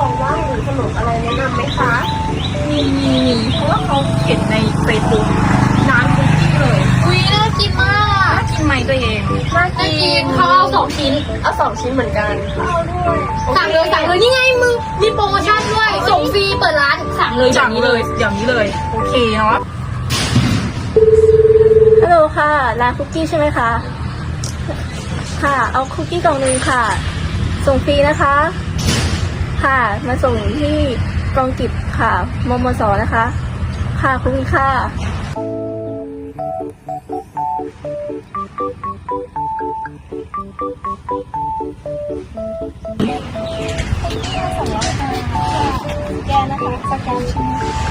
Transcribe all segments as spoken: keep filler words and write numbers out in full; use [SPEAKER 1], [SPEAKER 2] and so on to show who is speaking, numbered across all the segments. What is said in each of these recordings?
[SPEAKER 1] ของว่างหรือขนมอะไรแนะนำไหมคะ
[SPEAKER 2] มีมีมีเพราะว่าเขาเห็นในเฟซบุ๊กร้านคุกกี้เลย
[SPEAKER 3] อุ้ยน่ากินมาก
[SPEAKER 2] น่ากินไหมตัวเอง
[SPEAKER 1] น่า
[SPEAKER 3] น่า
[SPEAKER 1] กิ
[SPEAKER 3] กิ
[SPEAKER 1] น
[SPEAKER 3] นเขาเอาสองชิ้น
[SPEAKER 1] เอาสองชิ้นเหมือนกันเอาด้วย
[SPEAKER 3] สั่งเลยสั่งเลยนี่ไงมึงมีโปรโมชั่นด้วยส่งฟรีเปิดร้านสั่งเลย
[SPEAKER 2] อย่างนี้เลยอย่างนี้เลยโอเคเนาะ
[SPEAKER 1] ฮัลโหลค่ะร้านคุกกี้ใช่ไหมคะค่ะ เอาคุกกี้กล่องหนึ่งค่ะ ส่งฟรีนะคะ ค่ะมาส่งที่กองกิบค่ะมมสนะคะ ค่ะขอบคุณค่ะแกนะคะสแกนชิ้น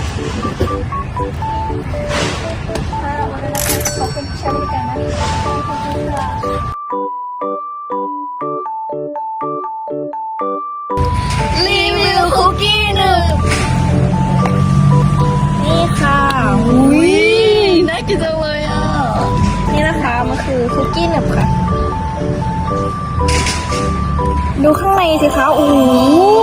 [SPEAKER 1] ค่ะวันนี้ขอบคุณที่ใช้บริการนะคะขอบคุณค่ะรีวิวคุกกี้หนึ่งนี่ค่ะอุ้ยน่ากินจังเลยอ่ะนี่นะคะมันคือคุกกี้หนึบค่ะดูข้างในสิคะโอ้โห